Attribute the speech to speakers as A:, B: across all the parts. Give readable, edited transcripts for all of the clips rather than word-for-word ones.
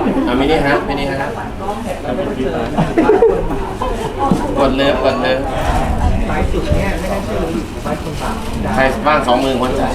A: มินิฮะกดเลยใครบ้าง2 มือหัวใจ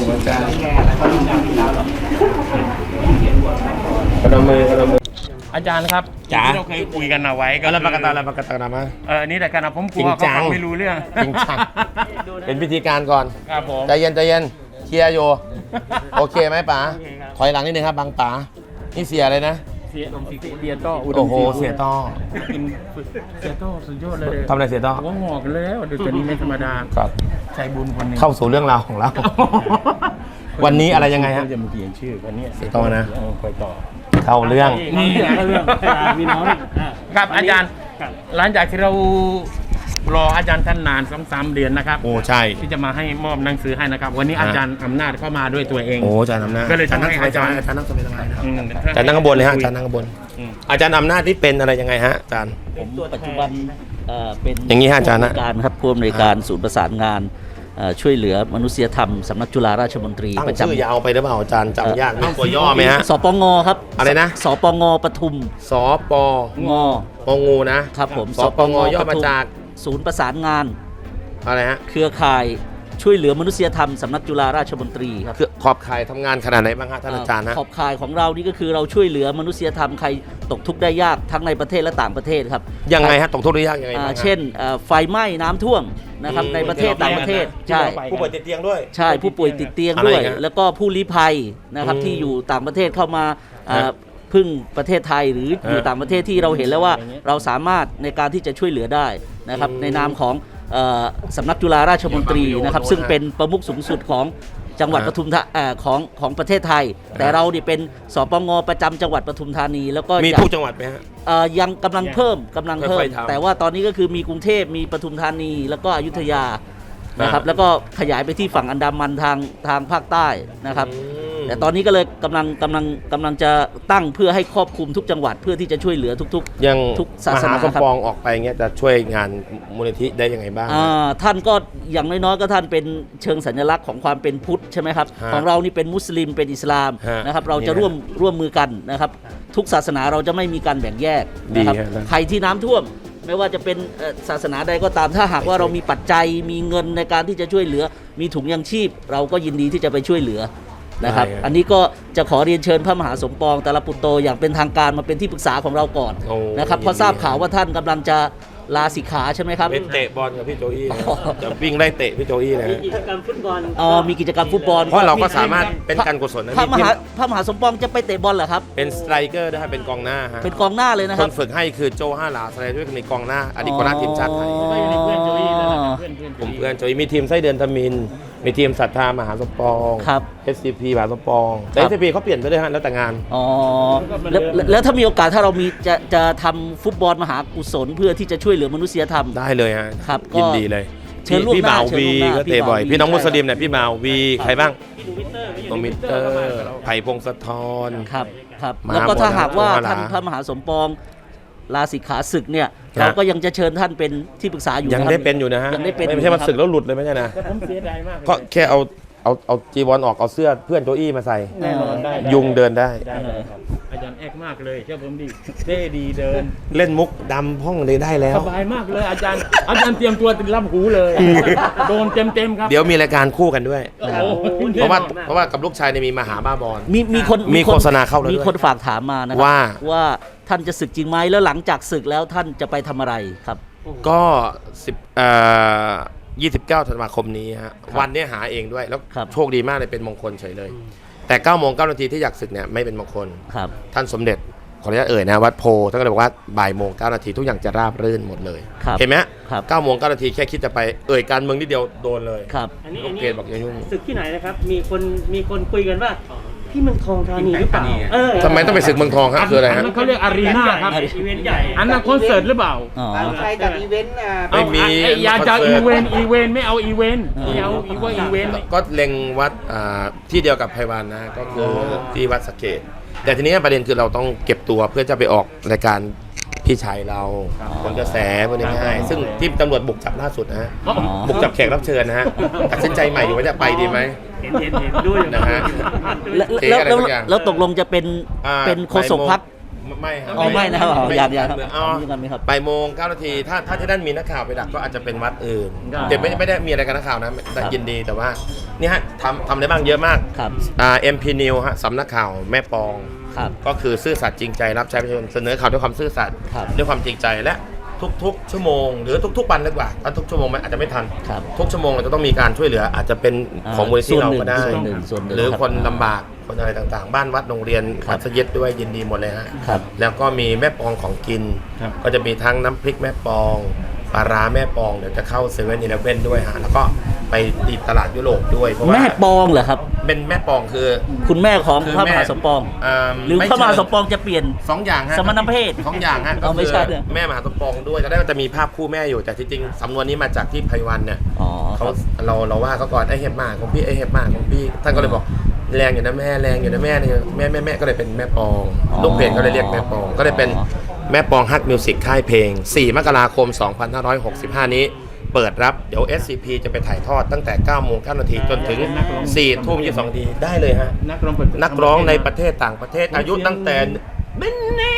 A: กระดมมือ
B: อาจารย์ครับที่เราเคยคุยกันเอาไว้ก็
A: แล้วปากกาตามา
B: นี่แต่การผมกลัวเขาฟังไม่รู้เรื่อง
A: จริงจังเป็นพิธีการก่อน
B: ครับผม
A: ใจเย็นเคลียร์โยโอเคไหมป๋าถอยหลังนิดนึงครับบางป๋านี่เสียอะไรนะ
B: เสียต้อ
A: โอ้โหเสียต้อ
B: สุดยอดเลย
A: ทำอะไรเสียต้อ
B: หัวงอกแล้วเดี๋ยวตัวนี้ไม่ธรรมดา
A: ครับ
B: ใจบุญคนนึง
A: เข้าสู่เรื่องราวของเราวันนี้อะไรยังไงฮะ
B: จะมาเขียนชื่อวันนี้
A: เสียต้อนะ
B: คอยต่อ
A: เข้าเรื่อง
B: มีน้องครับอาจารย์หลังจากที่เรารออาจารย์ท่านนาน2-3 เดือนนะครับ
A: โอ้ใช่
B: ที่จะมาให้มอบหนังสือให้นะครับวันนี้อาจารย์อำนาจเข้ามาด้วยตัวเอง
A: โอ้อาจารย์อำนาจ
B: ก็เลยทำให้อาจารย์
A: นั่งสบายๆอาจารย์นั่งข้างบนเลยฮะอาจารย์นั่งข้างบนอาจารย์อำนาจที่เป็นอะไรยังไงฮะอาจารย์
C: ผมปัจจุบันเป็น
A: อย่างนี้ฮะอาจารย์นะ
C: การครับผู้อำนวยการศูนย์ประสานงานช่วยเหลือมนุษยธรรมสำนักจุฬาราชมนตรี
A: ประจำชื่อยาวไปหรือเปล่าอาจารย์จำยากมีตัวย่อไหมฮะ
C: สปงครับ
A: อะไรนะ
C: สปงปทุม
A: สปงปงูนะครับ
C: ผม
A: สปงย่อมาจาก
C: ศูนย์ประสานงาน
A: อะไรฮะ
C: เครือข่ายช่วยเหลือมนุษยธรรมสำนักจุฬาราชมนตรีครับ
A: ขอบข่ายทำงานขนาดไหนบ้างฮะท่านอาจารย์ฮะ
C: ขอบข่ายของเรานี่ก็คือเราช่วยเหลือมนุษยธรรมใครตกทุกข์ได้ยากทั้งในประเทศและต่างประเทศครับ
A: ยังไงฮะตกทุกข์ได้ยากยังไง
C: เช่นไฟไหม้น้ำท่วมนะครับในประเทศต่างประเทศใช่
A: ผู้ป่วยติดเตียงด้วย
C: ใช่ผู้ป่วยติดเตียงด้วยแล้วก็ผู้ลี้ภัยนะครับที่อยู่ต่างประเทศเข้ามาพึ่งประเทศไทยหรืออยู่ต่างประเทศที่เราเห็นแล้วว่าเราสามารถในการที่จะช่วยเหลือได้นะครับในนามของสำนักจุฬาราชมนตรีนะครับซึ่งเป็นประมุขสูงสุดของจังหวัดปทุมธานีของประเทศไทยแต่เราเนี่ยเป็นสปงประจำจังหวัดปทุมธานีแล้วก็
A: มีทุกจังหวัดไหมฮะ
C: ยังกำลังเพิ่มแต่ว่าตอนนี้ก็คือมีกรุงเทพมีปทุมธานีแล้วก็อยุธยานะครับแล้วก็ขยายไปที่ฝั่งอันดามันทางภาคใต้นะครับแต่ตอนนี้ก็เลยกำลังจะตั้งเพื่อให้ครอบคลุมทุกจังหวัดเพื่อที่จะช่วยเหลือทุกศาสนา
A: ครับมหาสมปองออกไปเงี้ยจะช่วยงานมูลนิธิได้ยังไงบ้าง
C: ท่านก็อย่างน้อยๆก็ท่านเป็นเชิงสัญลักษณ์ของความเป็นพุทธใช่ไหมครับของเรานี่เป็นมุสลิมเป็นอิสลามนะครับเราจะร่วมมือกันนะครับทุกศาสนาเราจะไม่มีการแบ่งแยกนะครับใครที่น้ำท่วมไม่ว่าจะเป็นศาสนาใดก็ตามถ้าหากว่าเรามีปัจจัยมีเงินในการที่จะช่วยเหลือมีถุงยังชีพเราก็ยินดีที่จะไปช่วยเหลือนะครับอันนี้ก็จะขอเรียนเชิญพระมหาสมปองตาลปุตโตอย่างเป็นทางการมาเป็นที่ปรึกษาของเราก่อนนะครับเพราะทราบข่าวว่าท่านกำลังจะลาสิกขาใช่ไหมครับ
A: เป็นเตะบอลกับพี่โจอี้จะวิ่งไล่เตะพี่โจอี้นะ
C: มีกิจกรรมฟุตบอลมีกิจกรรมฟุตบอล
A: เพราะเราก็สามารถเป็นการกุศลนะ
C: พระมหาสมปองจะไปเตะบอลเหรอครับ
A: เป็นสไตรเกอร์ด้วยเป็นกองหน้าฮะ
C: เป็นกองหน้าเลยนะครับ
A: คนฝึกให้คือโจห้าหลาสไตรเกอร์ในกองหน้าอดีตกองหน้าทีมชาติไทยผมเพื่อนโจอี้มีทีมไส้เดือนทมินมีทีมศรัทธามหาสมปอง
C: ครับ
A: SCP มหาสมปองแต่ SCP เขาเปลี่ยนไปด้วยฮะแล้วแต่งาน
C: แล้วถ้ามีโอกาสถ้าเรามีจะทำฟุตบอลมหากุศลเพื่อที่จะช่วยเหลือมนุษยธรรม
A: ได้เลยฮะ
C: ครับ
A: ยินดีเลยพี่บ่าววีก็เตะบ่อยพี่น้องมุสลิมเนี่ยพี่บ่าววีใครบ้างโนมิเตอร์ไผ่พงศธร
C: ครับแล้วก็ถ้าหากว่าท่านพระมหาสมปองลาสิกขาศึกเนี่ยเราก็ยังจะเชิญท่านเป็นที่ปรึกษาอยู่
A: ยังได้เป็นอยู่นะฮะไม่ใช่มาศึกแล้วหลุดเลยไม่ใช่นะ
B: ผมเสียดายมาก
A: ก็แค่เอาจีวรออกเอาเสื้อเพื่อนโจอี้มาใส่ยุงเดินได้
B: อาจารย์แอกมากเลยเชื่อผมดิเท่ดีเดิน
A: เล่นมุกดำห้องเลยได้แล้ว
B: สบายมากเลยอาจารย์เตรียมตัวติดรับหูเลยโดนเต็มครับ
A: เดี๋ยวมีรายการคู่กันด้วยเพราะว่ากับลูกชายเนี่ยมีมหาบ้าบอลมีโฆษณาเข้าแล้ว
C: มีคนฝากถามมานะว่าท่านจะศึกจริงไหมแล้วหลังจากศึกแล้วท่านจะไปทำอะไรครับ
A: ก็29 ธันวาคมนี้ฮะวันนี้หาเองด้วยแล้วโชคดีมากเลยเป็นมงคลเฉยเลยแต่9:09 นาทีที่อยากศึกเนี่ยไม่เป็นมงคลท่านสมเด็จขออนุญาตเอ่ยนะวัดโพท่านก็เลยบอกว่าบ่ายโมง 9 นาทีทุกอย่างจะราบรื่นหมดเลยเห็นไหม9:09 นาทีแค่คิดจะไปเอ่ยการเมืองนิดเดียวโดนเลย
C: อันนี้
A: เกณฑ์บอกอย่ายุ่ง
D: ศึกที่ไหนนะครับมีคนคุยกันว่าที่เมืองทองธานีหรือเปล่า
A: ทำไมต้องไปศึกเมืองทองครับคืออะไรฮะ
B: เขาเรียกอารีนาครับ
D: อีเวนต์ใหญ่
B: อันนั้นคอนเสิร์ตหรือเปล่า
D: ใช่แต่อีเวนต์
A: ไม่มี
B: อย่าจะอีเวนต์ไม่เอาอีเวนต์เอาอีเวนต์
A: ก็เล็งวัดที่เดียวกับไพวันนะก็คือที่วัดสะเกษแต่ทีนี้ประเด็นคือเราต้องเก็บตัวเพื่อจะไปออกรายการพี่ชายเราคนกระแสพูดง่ายๆซึ่งที่ตำรวจบุกจับล่าสุดนะฮะบุกจับแขกรับเชิญนะฮะตัดสินใจใหม่อยู่ว่าจะไปดีไหม
D: เห็นด้วย
A: นะฮะ
C: แล้วตกลงจะเป็นโฆษกพรรค
A: ไม่ครับ
C: อ๋อไม่นะครับอ๋ออย่าครับ
A: อ๋อ
C: มีกันไหมครับ
A: บ่ายโมง9 นาทีถ้าที่นั่นมีนักข่าวไปดักก็อาจจะเป็นวัดอื่น
C: ครับ
A: เดี๋ยวไม่ได้มีอะไรกับนักข่าวนะแต่ยินดีแต่ว่านี่ฮะทำได้บ้างเยอะมาก
C: ครับ
A: MP News ฮะสำนักข่าวแม่ปอง
C: ครับ
A: ก็คือซื่อสัตย์จริงใจรับใช้ประชาชนเสนอข่าวด้วยความซื่อสัตย์
C: ครับ
A: ด้วยความจริงใจและทุกๆชั่วโมงหรือทุกๆวันดีกว่าถ้าทุกชั่วโมงมันอาจจะไม่ทัน
C: ครับ
A: ทุกชั่วโมงเราจะต้องมีการช่วยเหลืออาจจะเป็นของมูลนิธิเราก็ได้
C: ส่วนหนึ่งส่วนหนึ่ง
A: หรือ
C: ครับ
A: คนลำบากคนอะไรต่างๆ บ้านวัดโรงเรียน
C: ครับ
A: มัสยิดด้วยยินดีหมดเลยฮะ
C: ครับ
A: แล้วก็มีแม่ปองของกิน
B: ครับ
A: ก็จะมีทั้งน้ำพริกแม่ปองปลาร้าแม่ปองเดี๋ยวจะเข้า7-11ด้วยฮะแล้วก็ไปตีตลาดยุโรปด้วยเพราะว่า
C: แม่ปองเหรอครับ
A: เป็นแม่ปองคือ
C: คุณแม่ของ
A: คือ
C: พระม
A: แม่
C: หาสมปอง หรือ
A: ไม่
C: พระมหา
A: เชิง
C: สมปองจะเปลี่ยน
A: สองอย่างฮะ
C: สมณเพศ
A: สองอย่างฮะ
C: เอา
A: ก็
C: ไม่
A: คือ
C: ใช่เนี่ย
A: แม่มหาสมปองด้วยตอนแรกจะมีภาพคู่แม่อยู่แต่ที่จริงสำนวนนี้มาจากที่ไพวันเนี่ย
C: อ๋อค
A: เขา
C: รับ
A: เราว่าเขาก่อนไอ้เห็บหมากของพี่ไอ้เห็บหมากของพี่ท่านก็เลยบอกแรงอยู่นะแม่แรงอยู่นะแม่เนี่ยแม่ก็เลยเป็นแม่ปอง
C: อ๋อ
A: ลูกเพจก็เลยเรียกแม่ปองก็เลยเป็น
C: อ๋อ
A: แม่ปองฮักมิวสิกค่ายเพลง 4 มกราคม 2565 นี้ เปิดรับเดี๋ยว SCP จะไปถ่ายทอดตั้งแต่9 โมง 9 นาทีจนถึง 4 ทุ่ม 22 นาทีได้เลยฮะ
B: นักร้องเปิด
A: นักร้องในประเทศต่างประเทศอายุตั้งแต่เบนนี่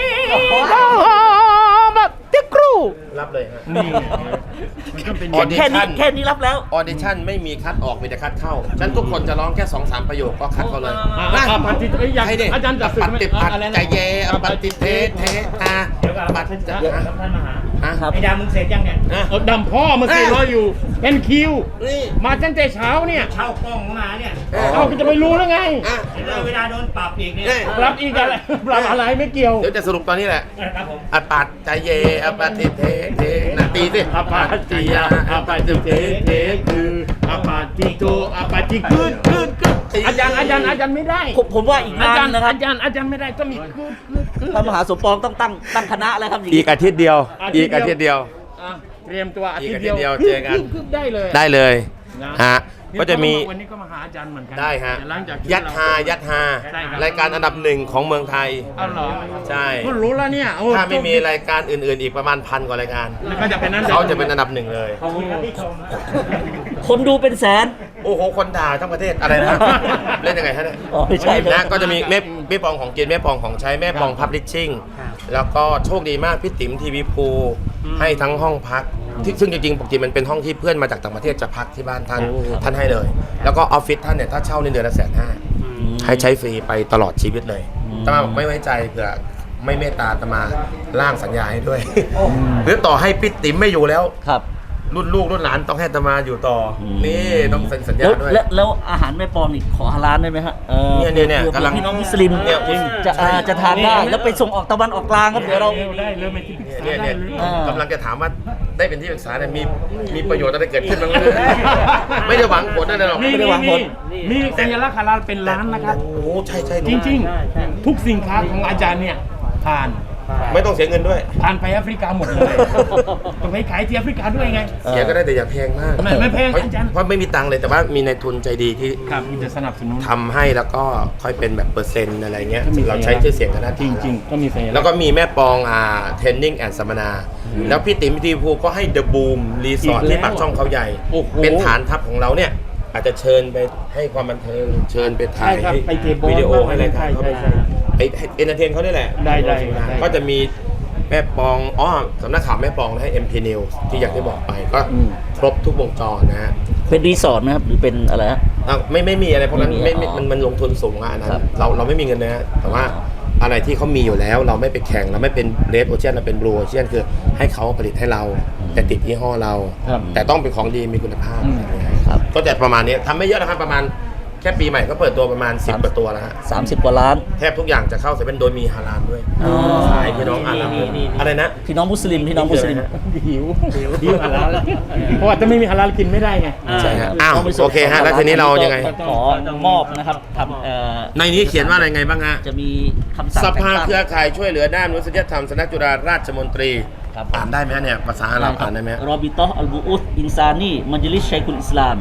A: แบบติกรูรับเลยฮะ
B: นี่มันก็เป็น
A: ออดิชั่น
C: แค่นี้รับแล้ว
A: ออดิชั่นไม่มีคัดออกมีแต่คัดเข้า ฉันทุกคนจะร้องแค่ 2-3 ประโยคก็คัดเขาเลย
B: ปฏิเอ้ยอยาก
A: ให้ดิ
B: อาจารย์จัด
A: ปฏิปัติ
B: อะไรนะ
A: ใจเยอปฏิเทเทอาปัดจะ
D: ท่านมหา
A: ฮะ
C: ครับ
D: ไอ้ดามึงเสร็จยังเนี่ย
B: เอาดำพ่อมาสิรออยู่เป็นคิว
A: นี่
B: มาตั้งแต่เช้าเนี่ย
D: เช่ากล้องเข้ามาเนี่ย
B: เอาจะไปรู้แล้วไง
A: อ่ะ
D: เวลาโดนปรับอีกเนี่ย
B: ปรับอีกอะไรปรับอะไรไม่เกี่ยว
A: เดี๋ยวจะสรุปตอนนี้แหละ
D: ครับผม
A: อปัดใจเยอปฏิเทเทนะตีสิ
B: อาปาติยาอาปาติเทเทคืออาปาติโกอาปาติกึดอาจารย์ไม่ได้
C: ผมว่าอีกาน
B: อานจารย์
C: นะครับ
B: อาจารย์ไม่ได้ต้องมีกึด
C: พระมหาสมปองต้องตั้งคณะแล้วครับอย่าง
A: อี
C: นี้
A: กอาทิตย์เดียว
B: อาทิ
A: อี
B: ตย์
A: กอาทิตย์เดียว
B: อ่ะเตรียมตัวอาทิตย์
A: อีกอาทิตย์เดี
B: เดี
A: ย
B: ยว ว
A: เจอกัน
B: ได้เลย
A: ได้เลย
B: นะ
A: ฮะก็จะมี
B: วันนี้ก็มาหาอาจารย์เหมือนกั
A: ได้ฮะ
B: หลังจากที่
A: ยัดฮายัดฮา
B: ใช่ครับ
A: รายการอันดับหนึ่งของเมืองไทย
B: เอาเหรอ
A: ใช่
B: ก็รู้แล้วเนี่ยโอ้
A: ถ้าไม่มีรายการอื่นๆ อีกประมาณ1,000 กว่ารายการ
B: แล้วก็จะเป็นนั้น
A: เขาจะเป็นอันดับหนึ่งเลย
D: ขอบคุณครับที่ชม
C: คนดูเป็นแสน
A: โอ้โห คนด่าทั้งประเทศอะไรนะ เล่นยังไงฮะเนี่ย
C: อ๋อไม่ใช่ครับ
A: นะก็จะมีแม่ปองของกินแม่ปองของใช้แม่ปองพับลิชชิ่งแล้วก็โชคดีมากพี่ติ๋มทีวีพูให้ทั้งห้องพักซึ่งจริงๆปกติมันเป็นห้องที่เพื่อนมาจากต่างประเทศจะพักที่บ้านท่านให้เลย แล้วก็ออฟฟิศท่านเนี่ยถ้าเช่าในเดือนละ150,000ให้ใช้ฟรีไปตลอดชีวิตเลยอาตมาบอกไม่ไว้ใจเผื่อไม่เมตตาอาตมาร่างสัญญาให้ด้วย หรือต่อให้พี่ติ๋มไม่อยู่แล้ว
C: ครับ
A: รุ่นลูกรุ่นหลานต้องให้อาตมาอยู่ต่ออ
C: ม
A: นี่ต้องเซ็นสัญญา
C: แล้ว
A: ด้วย
C: แล้วอาหารแม่ปองนี่ขอฮาลาลได้ไหมฮะ
A: เนี่ย
C: ผื่อก
A: ำลัง
C: พี่น้องมุสลิม
A: เนี่ย
C: จะทานได้แล้วไปส่งออกตะวันออกกลางครับเดี๋ยวเรา
B: ได้เลยไม่ที่ปรึกษา
A: เนี่ย
B: ได้
A: เนี่ย
B: เลย
C: อ่า
A: กำลังจะถามว่าได้เป็นที่ปรึกษาเนี่ยมีประโยชน์อะไรเกิดขึ้นบ้างไหมไม่ได้หวังผลอะไรหรอก
B: นี่
C: ไม่ได้วางผล
B: มีสัญลักษณ์ฮาลาลเป็นล้านนะครับ
A: โอ้โหใช่
B: จริงๆ ทุกสินค้าของอาจารย์เนี่ยผ่าน
A: ไม่ต้องเสียเงินด้วย
B: ผ่านไปแอฟริกาหมดเลยต้องไปขายที่แอฟริกาด้วยไง
A: เสียก็ได้แต่อย่าแพงมาก
B: ไม่แพง
A: เพราะ
B: อาจารย์
A: เพราะไม่มีตังค์เลยแต่ว่ามีนายทุนใจดีที่
B: ครับมีจะสนับสนุน
A: ทำให้แล้วก็ค่อยเป็นแบบเปอร์เซ็นต์อะไรเงี้ย
B: ก็มี
A: เราใช้ชื่อเสียงกันนะ
B: จริงๆ ก็มีสัญลั
A: แล้
B: ก
A: ว
B: ษณ์
A: ก็มีแม่ปองเทรนนิ่งแอนด์สัมมนา แล้วพี่ติ๋มพี่ทีภูก็ให้เดอะบูมรีสอร์ท
B: อีกแล้ว
A: ที่ปากช่องเขาใหญ่
B: โอ้โห
A: เป็นฐานทัพของเราเนี่ย อาจจะเชิญไปให้ความบันเทิง เชิญไปถ่าย
B: ใช่ครับ
A: ให้
B: ไปเก็บบอล
A: วิดีโอให้อะไรถ่าย
B: ใช่
A: เขาไป
B: ใช่
A: ไปเอนเตอร์เทนเขาได้แหละ
B: ได้
A: ก็จะมีแม่ปองสำนักข่าวแม่ปองให้ MP News ที่อย่างที่บอกไปก็ครบทุกวงจรนะฮะ
C: เป็นรีสอร์ทไหมครับหรือเป็นอะไรฮะ
A: ไม่มีอะไรเพราะนั้น
C: ไม่มี
A: มันลงทุนสูงอะอันนั้
C: ครั
A: น
C: บ
A: เราไม่มีเงินนะฮะแต่ว่าอะไรที่เขามีอยู่แล้วเราไม่ไปแข่งเราไม่เป็นเรดโอเชียนเราเป็นบลูโอเชียนคือให้เขาผลิตให้เรา แต่ติดยี่ห้อเรา
B: ครับ
A: แต่ต้องเป็นของดีมีคุณภาพ
C: ครับ
A: ก็จะประมาณนี้ทำไม่เยอะนะครับประมาณแค่ปีใหม่ก็เปิดตัวประมาณ10 กว่าตัวแล้วฮะ
C: 30 กว่าล้าน
A: แทบทุกอย่างจะเข้าเซเว่นโดยมีฮาลาลด้วย
C: อ๋อ
A: ขายพี่น้องอาหรับอะไรนะ
C: พี่น้องมุสลิม
B: หิวฮาลาลเพราะว่าจะไม่มีฮาลาลกินไม่ได้ไง
A: ใช่ฮะอ้าวโอเคฮะแล้วทีนี้เรายังไง
C: ขอมอบนะครับทำ
A: ในนี้เขียนว่าอะไรไงบ้างฮะ
C: จะมีคำสั่ง
A: สภา
C: แต่งตั้ง
A: เครือข่ายช่วยเหลือด้านมนุษยธรรมสำนักจุฬาราชมนตรี
C: ครับ
A: อ่านได้ไหมฮะเนี่ยภาษาอาหรับอ่านได้ไหมฮะ
C: รอบิตออัลบูอุสอินซานีมัจลิสชัยคุลอิสลาม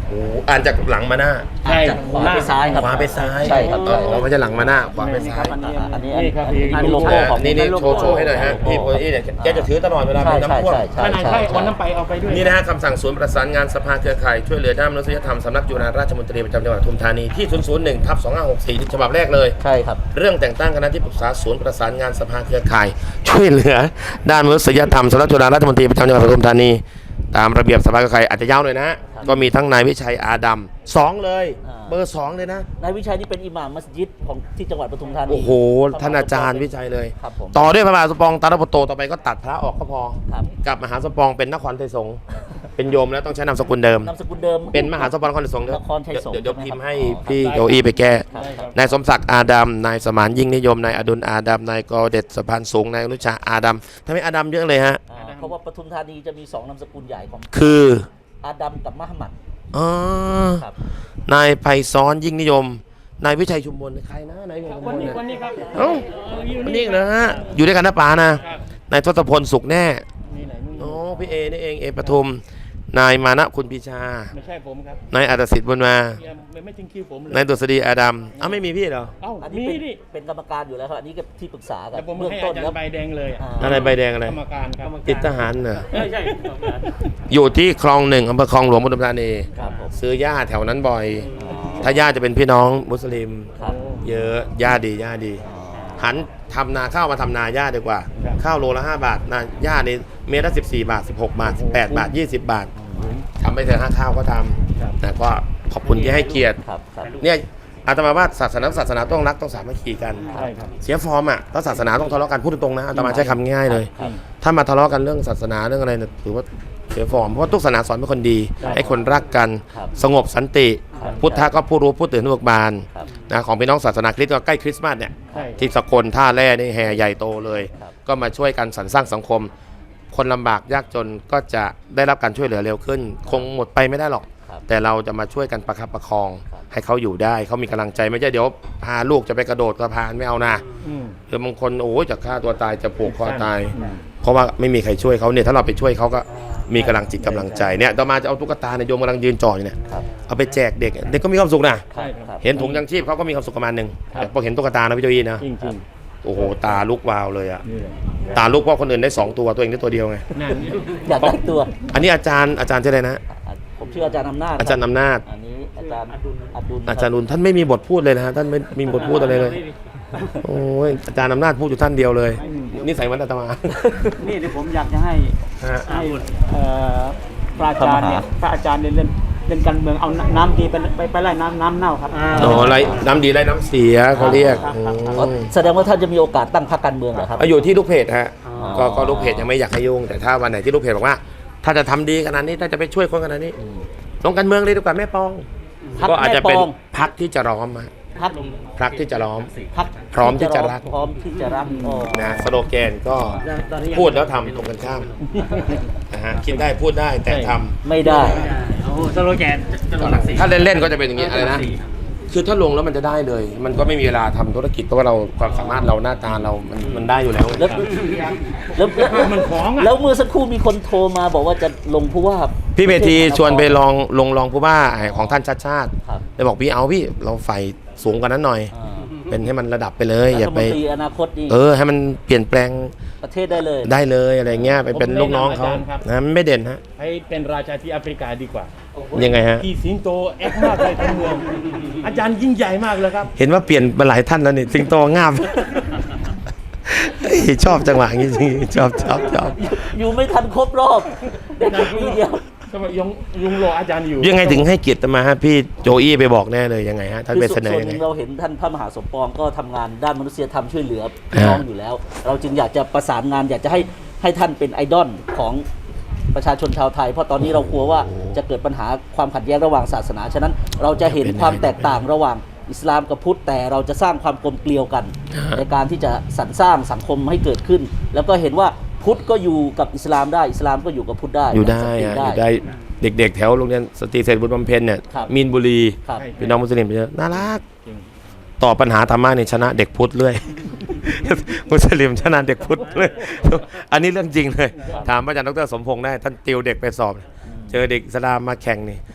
A: โอ้อ่านจากหลังมาหน้า
B: ใช่
C: จากขวาไปซ้ายครับ
A: ขวาไปซ้าย
C: ใช่ครับ
A: อ๋อไม่ใช่หลังมาหน้าขวาไปซ้าย
C: อันนี้
B: นี่ครับ
C: อันนี้โลโก้ของ
A: นี่โชว์ให้หน่อยฮะพี่โพอี้เนี่ยแกจะถือตลอดเวลา
C: ใช่
A: เป็นน้ำท่วม
C: ใช่
B: ขนาดใช่วันนั้นไปเอาไปด้วย
A: นี่นะฮะคำสั่งศูนย์ประสานงานสภาเครือข่ายช่วยเหลือด้านมนุษยธรรมสำนักจุฬาราชมนตรีประจำจังหวัดปทุมธานีที่ 001/2564 ฉบับแรกเลย
C: ใช่ครับ
A: เรื่องแต่งตั้งคณะที่ปรึกษาศูนย์ประสานงานสภาเครือข่าย ช่วยเหลือด้านมนุษยธรรมสำนักจุฬาราชมนตรีประจำจังหวัดปทุมธานีตามระเบียบสภาเครือข่ายอาจจะยาวหน่อยนะ ก็มีทั้งนายวิชัยอาดัม2เลย เบอร์ 2 เลยนะ
C: นายวิชัยนี่เป็นอิหม่ามมัสยิดของที่จังหวัดปทุมธานี
A: โอ้โหท่านอาจารย์วิชัยเลย
C: ครับผม
A: ต่อด้วยพระมหาสมปองตาลปโตต่อไปก็ตัดพระออกก็พอ
C: ครับ
A: กับมหาสมปองเป็นนครไทยสงฆ์เป็นโยมแล้วต้องใช้นามสกุลเดิม
C: นามสกุลเดิม
A: เป็นมหาสมปองนครไทยสงฆ์
C: นครไทยสงฆ์
A: เดี๋ยวพิมพ์ให้
C: ครับ
A: พี่โจอี้ไปแก้
C: ครับครับ
A: นายสมศักดิ์อาดัมนายสมานยิ่งนิยมนายอดุลอาดัมนายกอเด็ดสะพานสูงนายอนุชาอาดัมทำไมอาดัมเยอะเลยฮะ
C: เพราะว่าปทุมธานีจะมี2นามสกุลใหญ่ของ
A: คือ
C: อาดัมกับมหมัด
A: อ๋อ
C: ครับ
A: นายไพศาลยิ่งนิยมนายวิชัยชุมพลใครนะนายวิชัยชุม
B: ค
A: พ
B: น
A: ล
B: นี้
A: เนี่ย
B: คนนี้ครับ
A: เอ้าคนนี้นะฮะอยู่ด้วยกันนะป๋านะครับ นายทศพลสุขแน่
B: นี่ไหนนู่น
A: อ๋อพี่เอนี่เองเอปทุมนายมานะคุณปีชา
B: ไม่ใช่ผมครับ
A: นายอัตสิทธิ์บุญมา
B: ไม่จริงคิวผมเลย
A: นายดุษฎีอาดัมอ้าวไม่มีพี่เหรอ
B: เอ้า
C: อัน
B: มี
C: นี้เป็น
B: ดิ
C: เป็นกรรมการอยู่แล้วครับอันนี้ก็ที่ปรึกษากั
B: แต่
C: น
B: ผม
C: เบื้อง
B: ให้
C: ต้
B: อาน จาร
C: แล้ว
B: ย์ใบแดงเลยอะ
A: อะไรใบแดงอะไร
B: กรรมการครับ
A: ติดทหารเหรอ
D: ใช่
A: อยู่ที่คลอง1อำเภอคลองหลวงปทุมธานี
C: ครับผม
A: ซื้อหญ้าแถวนั้นบ่อย ถ้าหญ้าจะเป็นพี่น้องมุสลิม
C: ครับ
A: เยอะหญ้าดีหญ้าดี หันทำนาข้าวมาทำนาหญ้าดีกว่า ข้าวโลละ5 บาทนาหญ้านี่เมตรละ14 บาท 16 บาท 18 บาท 20 บาททำไปเถอะข้าวก็ทำแต่ก็ขอบคุณที่ให้เกียรติ
C: ครับครับ
A: เนี่ยอาตมาว่าศาสนาต้องรักต้องสามัคคีกัน
B: ใช่ครับ
A: เสียฟอร์มอ่ะถ้าศาสนาต้องทะเลาะกันพูดตรงๆนะอาตมาใช้คำง่ายๆเลย
C: ครับ
A: ถ้ามาทะเลาะกันเรื่องศาสนาเรื่องอะไรเนี่ยถือว่าเสียฟอร์มเพราะว่าทุกศาสนาสอนเป็นคนดี ให้คนรักกัน
C: ครับ
A: สงบสันติ
C: ครับ
A: พุทธะก็ผู้รู้ผู้ตื่นผู้เบิกบาน
C: ครับ
A: นะของพี่น้องศาสนาคริสต์ก็ใกล้คริสต์มาสเนี่ย
B: ใช่
A: ที่สกลท่าแร่นี่แห่ใหญ่โตเลย
C: ครับ
A: ก็มาช่วยกันสรรสร้างสังคม คนลำบากยากจนก็จะได้รับการช่วยเหลือเร็วขึ้น คงหมดไปไม่ได้หรอก
C: ครับ
A: แต่เราจะมาช่วยกันประคับประคอง
C: ครับ
A: ให้เขาอยู่ได้เขามีกำลังใจไม่ใช่เดี๋ยวพาลูกจะไปกระโดดสะพานไม่เอานะ
B: อืม
A: หรือบางคนโอ้ยจะฆ่าตัวตายจะผูกคอตาย เพราะว่าไม่มีใครช่วยเขาเนี่ยถ้าเราไปช่วยเขาก็มีกำลังจิตกำลังใจเนี่ยต่อมาจะเอาตุ๊กตาเนี่ยโยมกำลังยืนจ่ออยู่เนี่ย
C: ครับ
A: เอาไปแจกเด็กเด็กก็มีความสุขนะ
B: ใช่ครับ
A: เห็นถุงยังชีพเขาก็มีความสุขประมาณหนึง
B: ครับ
A: แต่พอเห็นตุ๊กตานะพี่โจยีนะ
B: จริงจริง
A: โอ้โหตาลุกวาวเลยอะ
B: ๆนี่แหละ
A: ตาลุกเพราะคนอื่นได้2ตัวตัวเองได้ตัวเดียวไง
B: นั่น
C: อยากได้ตัว
A: อันนี้อาจารย์ชื่ออะไรนะ
C: ผมชื่ออาจารย์อำนาจ
A: อาจารย์อำนาจ
C: อันนี้อาจารย์อดุล
A: อาจารย์นุนท่านไม่มีบทพูดเลยนะฮะท่านไม่มีบทพูดอะไรเลยโอ้ยอาจารย์อำนาจพูดอยู่ท่านเดียวเลยนี่ใส่วันอาตมา
E: นี่เดี๋ยวผมอยากจะให้
A: ฮะ
E: ให้พระอาจารย์เนี่ยพระอาจารย์เนี่ยเล่นการเมืองเอาน้ำดีไปไล่น้ำเน่าครับ
A: โอ้ไรน้ำดีไรน้ำเสียเขาเรียก
E: ครับ
C: อ๋อแสดงว่าท่านจะมีโอกาสตั้งพรรคการเมืองเหรอครับ
A: อยู่ที่ลูกเพจฮะ
C: อ๋อ
A: ก็ลูกเพจยังไม่อยากให้ยุ่งแต่ถ้าวันไหนที่ลูกเพจบอกว่า ถ้าจะทำดีขนาดนี้ถ้าจะไปช่วยคนขนาดนี้ลงการเมืองเลยดีกว่าแม่ปอง
C: พรรค
A: ก็อาจจะเป็น
C: แม่ปอง
A: พักที่จะล้อมฮะ
C: พรรค
A: พักที่จะล้อม
C: พรรค
A: พร้อมที่จะรัก
C: พร้อมที่จะรักอ๋อ
A: นะสโลแกนก็พูดแล้วทำตรงกันข้ามนะฮะคิดได้พูดได้แต่ทำ
C: ไม่ได้
D: โอ้โหสโลแกนจะลงหลักสี่
A: ถ้าเล่นๆก็จะเป็นอย่างนี้อะไรนะ คือถ้าลงแล้วมันจะได้เลย มันก็ไม่มีเวลาทำธุรกิจเพราะว่าเราความสามารถเราหน้าตาเรามันได้อยู่แล้ว
C: แล้วแล้ว
B: มันของอ่ะ
C: แล้วเมื่อสักครู่มีคนโทรมาบอกว่าจะลงผู้ว่า
A: พี่เมธีชวนไปลองผู้ว่าของท่านชาติชาติ
C: ครับ
A: เลยบอกพี่เอาพี่เราไฟสูงกว่านั้นหน่อย
C: อ่า
A: เป็นให้มันระดับไปเลย
C: รั
A: อย่า
C: ฐม
A: ไป
C: นตรีอนาคตนี่
A: ให้มันเปลี่ยนแปลง
C: ประเทศได้เลย
A: ได้เลยอะไรเงี้ยไปเป็นลูกน้องเขานะมันไม่เด่นฮะ
B: ให้เป็นราชาที่แอฟริกาดีกว่า
A: ยังไงฮะ
B: ที่สิงโตแอคมากเลยทั้งเมือง อาจารย์ยิ่งใหญ่มากเลยครับ
A: เห็นว่าเปลี่ยนมาหลายท่านแล้วนี่สิงโตงาม เฮ้ยชอบจังหวะอย่างนี้จริงๆชอบ
C: อยู่ไม่ทันครบรอบเด็กปีเดียว
B: สมัยยุงรออาจารย์อยู่
A: ยังไงถึงให้เกียรติมาฮะพี่โจอี้ไปบอกแน่เลยยังไงฮะท่านไปเสนอ
C: ส่วน
A: ยัง
C: ห
A: ไง
C: นึ่งเราเห็นท่านพระมหาสมปองก็ทำงานด้านมนุษยธรรมช่วยเหลือพี่น้องอยู่แล้ว เราจึงอยากจะประสานงานอยากจะให้ท่านเป็นไอดอลของประชาชนชาวไทย เพราะตอนนี้เรากลัวว่าจะเกิดปัญหาความขัดแย้งระหว่างศาสนาฉะนั้นเราจะเห็นความแตกต่างระหว่างอิสลามกับพุทธแต่เราจะสร้างความกลมเกลียวกัน ในการที่จะสรรสร้างสังคมให้เกิดขึ้น แล้วก็เห็นว่าพุทธก็อยู่กับอิสลามได้อิสลามก็อยู่กับพุทธได้
A: อยู่ได้
C: สันติ
A: ฮะอยู่ได้เด็กๆแถวโรงเรียนสตรีเศรษฐบุญบำเพ็ญเนี่ย
C: ครับ
A: มีนบุรี
C: ครับ
A: พี่น้องมุสลิมเยอะน่ารักต่อบปัญหาธรรมะเนี่ยชนะเด็กพุทธเลย มุสลิมชนะเด็กพุทธเลย อันนี้เรื่องจริงเลย ถามอาจารย์ดรสมพงษ์ได้ท่านติวเด็กไปสอบ เจอเด็กอิสลามมาแข่งนี่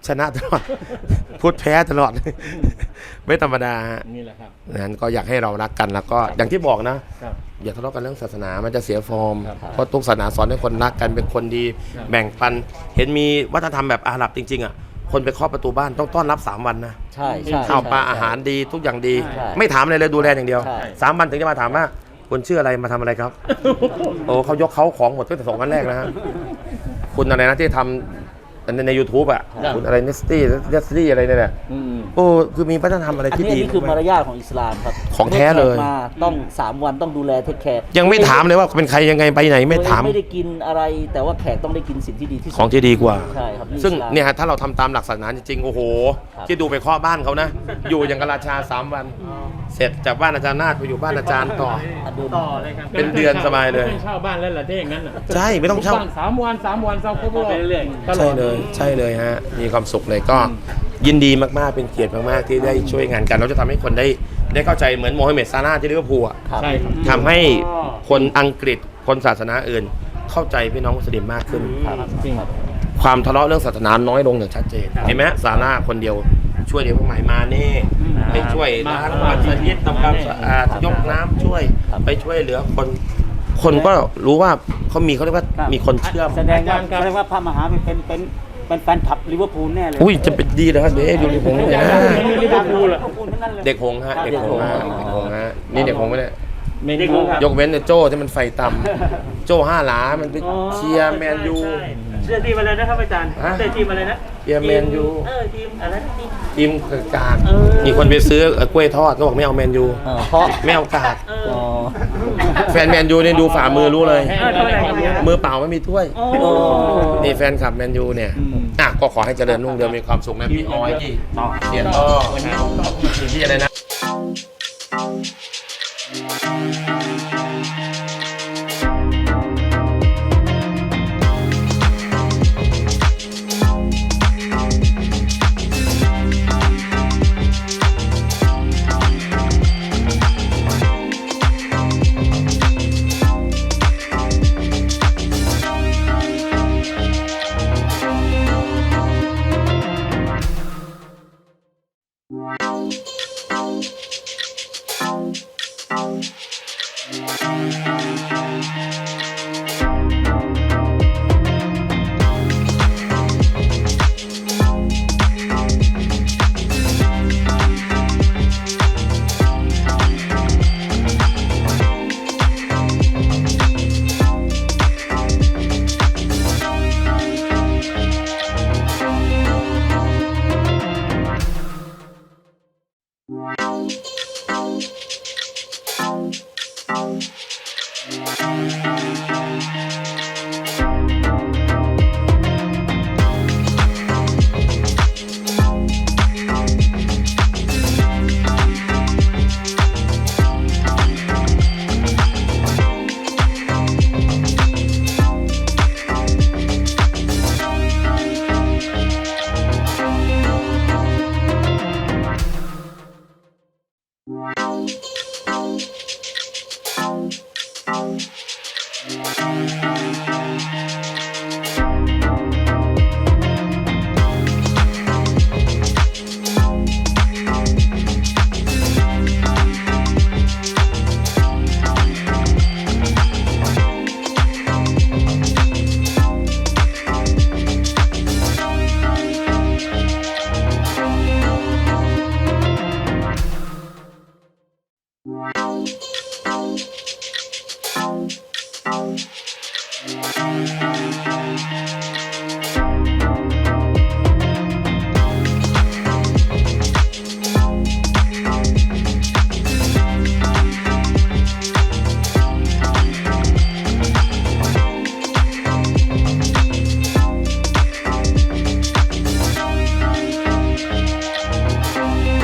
A: ชนะตลอด พุทธแพ้ตลอด ไม่ธรรมดาฮะ
B: นี่แหละครับ
A: นั้นก็อยากให้เรารักกันแล้วก็อย่างที่บอกนะ
B: ครับ
A: อย่าทะเลาะกันเรื่องศาสนามันจะเสียฟอร์ม
B: ครับ
A: เพราะทุกศาสนาสอนให้คนรักกันเป็นคนดี
B: ครับ
A: แบ่งปัน เห็นมีวัฒนธรรมแบบอาหรับจริงๆอ่ะคนไปเคาะประตูบ้านต้องต้อนรับ3 วันนะ
C: ใช่ใช่
A: ข้าวปลา
C: ใช่
A: อาหารดีทุกอย่างดี
C: ใช่
A: ไม่ถามอะไรเลยดูแลอย่างเดียว
C: ใช่
A: 3 วันถึงจะมาถามว่าคุณชื่ออะไรมาทำอะไรครับ โอ้เขายกเขาของหมดตั้งแต่2 วันแรกนะฮะคุณอะไรนะที่ทำใน YouTube อ่ะ
B: ครับ
A: คุณอะไรเนสตี้อะไรเนี่ยแหละ
B: อืม
A: โอ้คือมีวัฒนธรรมอะไร
C: อัน
A: ที่
C: นี้
A: ดี
C: นี่คือมารยาทของอิสลามครับ
A: ของแท้เลย
C: มื่อแขกมาต้อง3 วันต้องดูแลเทคแคร์
A: ยังไม่ถามเลยว่าเป็นใครยังไงไปไหนไม่ถาม
C: ไม่ได้กินอะไร แต่ว่าแขกต้องได้กินสิ่งที่ดีที่สุด
A: ของที่ดีกว่า
C: ใช่ครับ
A: ซึ่ง
C: อิสลาม
A: เนี่ยฮะถ้าเราทำตามหลักศาสนาจริงๆโอ้โห
C: ครับ
A: ที่ดูไปเคาะบ้านเขานะ อยู่อย่างกับราชา3 วัน เสร็จจากบ้านอาจารย์นาฏไปอยู่บ้านอาจารย์ต่อ
D: ต่อเลยครับ
A: เป็นเดือนสบายเลย
B: ไม่เช่าบ้านแล้วล่ะถ้าอย่างนั้นน่ะ
A: ใช่ไม่ต้องเช่า
B: บ้าน3 วัน3 วันเช่าครบรอบ
D: ไปเรื่อย
B: ตล
A: ใช่
B: อด
A: เลยใช่เลยฮะมีความสุขเลยก็ยินดีมากๆเป็นเกียรติมากๆที่ได้ช่วยงานกันเราจะทำให้คนได้เข้าใจเหมือนโมฮัมเหม็ดซาลาห์ที่ลิเวอร์พูลอะ
C: ครับ
B: ใช่ครับ
A: ทำให้คนอังกฤษคนศาสนาอื่น เข้าใจพี่น้องมุสลิมมากขึ้น
C: ครับ
B: จริง
A: ความทะเลาะเรื่องศาสนาน้อยลงอย่างชัดเจนเห็นไหมฮะซาลาห์คนเดียวช่วยเด็กพวกใหม่มาเน่ไปช่วยล้างมัสยิดทำความสะอาดยกน้ำช่วยไปช่วยเหลือคนก็รู้ว่าเขาเรียกว่า
E: ครับ
A: มีคนเชื่อม
E: แสดงว่าพระมหาเป็นแฟนคลับลิเวอร์พูลแน่เลย
A: อุ้ยจะเป็นดีเลยครับเดี๋ยวดูลิเวอร์พูลเนี่ยนะ
E: ลิเวอร์พูลเหรอทั้งนั้นเลย
A: เด็กหงส์ฮะเด็กหงส์ฮะเด็กหงส์ฮะนี่เด็กหงส์ไหมเนี่ย
B: เม
D: เด็ก
B: นู
D: หงส์ครับ
A: ยกเว้นแต่โจ้ที่มันไฟต่ำโจ้5 หลามันไปเชียร์แมนยู
D: ใช่เชื่อทีมอะไรนะครับอาจารย์
A: ฮะ
D: เชื่อทีมอะไรนะ
A: เชียร์แมนยู
D: ทีมอะไรนะทีม
A: ทีมกาก
D: เออ
A: มีคนไปซื้อกล้วยทอดก็บอกไม่เอาแมนยู
C: เพราะ
A: ไม่เอากาก
D: เออ
C: อ๋อ
A: แฟนแมนยูเนี่ยดูฝ่ามือรู้เลย
D: เออทำอะไรครับเนี่ย
A: มือเปล่าไม่มีถ้วย
D: โอ้
A: นี่แฟนคลับแมนยูเนี่ยอ่ะก็ขอให้เจริญรุ่งเรืองมีความสุขนะพี่ออยที่เสียต่อที่อะไรนะ